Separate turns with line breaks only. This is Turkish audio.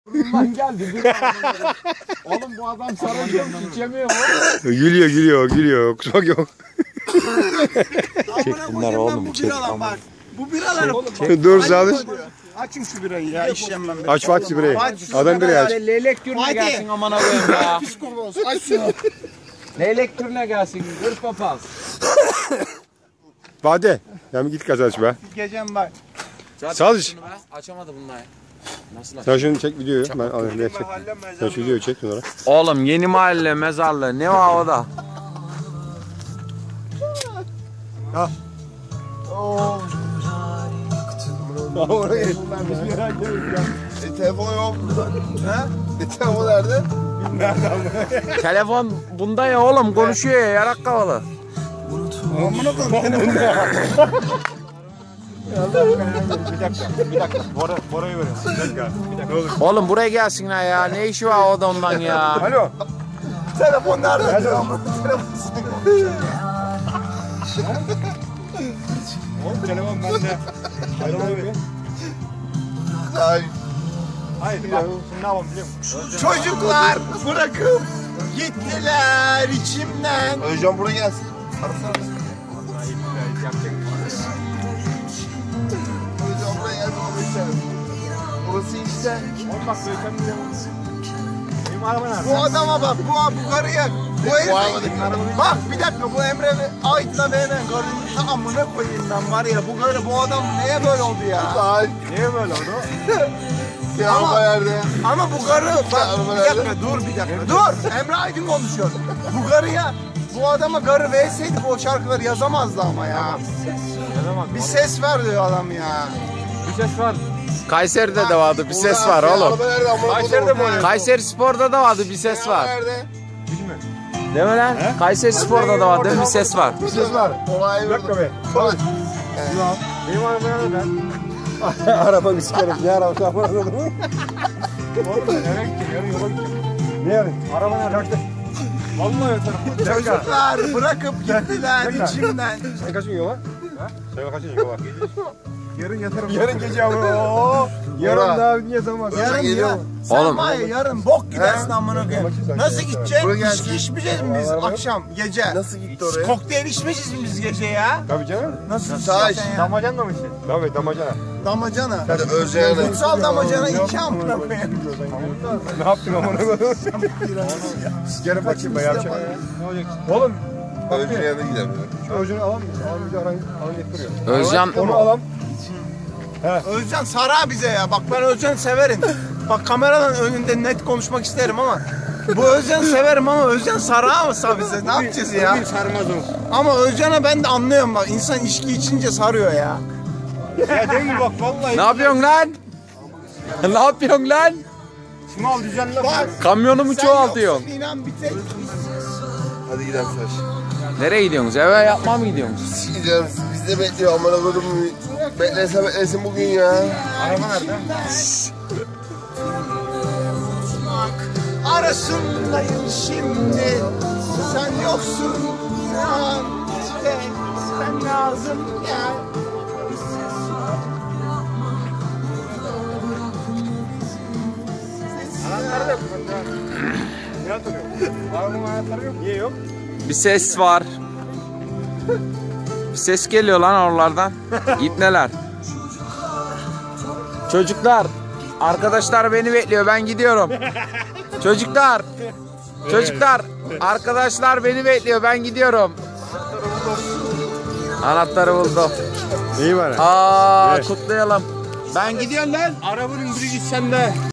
Burnundan geldi. Oğlum bu adam sarılıyor mu? İçemiyor mu?
Gülüyor. Kusmak yok.
Çek bunlar oğlum, çek.
Bu biraları
Dur Sadıç.
açın şu birayı ya, işlem ben.
Aç Fatih birayı. Adam birayı aç.
Leylek türüne gelsin aman koyayım ya.
Psikolog, aç şunu.
Leylek türüne gelsin. Gır papaz.
Fatih. Ya git kaç aç be.
Gecem bak.
Sadıç.
Açamadı bunlar. Nasıl
Sen şunu çek videoyu. Ben alayım. Çek. Sen şu videoyu çek bunlara.
Oğlum yeni mahalle mezarlığı ne var o da?
Telefon yok. Ha? Telefon nerede?
Telefon bunda ya oğlum konuşuyor ya yarak kavalı.
Amına koyayım.
Bir dakika. Bora'yı verin. Bir dakika. Ne olur.
Oğlum buraya gelsinler ya ne işi var o da ondan ya.
Alo.
Telefon nerede?
Oğlum telefon bende. Hayır bak şimdi ne yapalım biliyor musun?
Çocuklar bırakıp gittiler içimden. Özcan buraya gelsin. Arasana. Özcan buraya gelsin. Burası işte.
Bak benim araba nerede?
Bu adama bak, bu karıya, bu herife. Bak bir dakika, bu Emre Ait'la benim karının tamamına koyayım ben var ya. Bu karı, bu adam neye böyle oldu ya?
Niye böyle oldu?
Ama bu karı, bak bir dakika dur bir dakika, dur. Emre Aydın konuşuyor. Bu karıya, bu adama karı verseydi bu şarkıları yazamazdı ama ya. Bir ses ver diyor adam ya.
Bir ses var.
Kayseri'de de vardı bir ses var oğlum.
Kayseri'de mi oynuyor?
Kayseri Spor'da da vardı bir ses var.
Bilmiyorum.
Değil mi lan? Kayseri Spor'da da vardı bir ses var.
Bir ses var.
Olay
Bir dakika be. Benim araba nerede? Arabamı sikerim. Ne arabası? Oğlum ben eve gideceğim. Yarın yola gideceğim. Ne yarın? Araba nerede? Vallahi yatarım.
Çocuklar bırakıp gittiler içimden.
Sen kaçın yola? Sen kaçın yola? Yarın yatarım. Yarın gece ama. Yarın daha niye zaman?
Yarın ya. Sen
Oğlum.
var ya yarın bok gidersin amına koyayım. Nasıl gideceksin?
Buraya
İçki içmeyeceğiz mi biz akşam gece?
Nasıl gitti oraya?
Kokteyl içmeyeceğiz mi biz gece ya?
Tabii canım.
Nasıl
Saç.
içeceksin ya?
Damacana mı içtin? Tabii damacana.
Damacana.
Hadi Özcan'a.
Kutsal damacana iki amına koyayım.
Ne yaptın amına koyayım? Sikerim bakayım be yapacak. Ne olacak? Oğlum
Özcan'a da gidemiyor.
şu Özcan'ı alalım. Alalım bir de aran getiriyor.
Özcan
Onu alalım.
Özcan sara bize ya. Bak ben Özcan'ı severim. Bak kameradan önünde net konuşmak isterim ama bu Özcan'ı severim ama Özcan saramasa bize ne yapacağız ya?
Sarmaz o.
Ama Özcan'a ben de anlıyorum bak insan içki içince sarıyor ya.
Ya değil bak vallahi.
ne yapıyorsun lan? Ne yapıyorsun lan?
Şunu al düzenle.
Bak
Kamyonumu
sen
çoğaltıyorsun.
yoksun inan bir tek.
Hadi gidelim Saç.
Nereye gidiyorsunuz? Eve yapmaya mı gidiyorsunuz?
Gideceğim. Biz de bekliyor amına koydum. Beklesin bugün ya.
Araba nerede?
Arasındayım şimdi. Sen yoksun. Sen işte sen lazım ya.
Anahtarı yok. Ne hatırlıyor? Arabanın anahtarı yok. Niye yok?
Bir ses var. Bir ses geliyor lan oralardan. İpneler. Çocuklar. Arkadaşlar beni bekliyor. Ben gidiyorum. Çocuklar. Çocuklar. Arkadaşlar beni bekliyor. Ben gidiyorum. Anahtarı buldum.
İyi var.
Aa kutlayalım. Ben gidiyorum lan.
Arabanın biri git sende.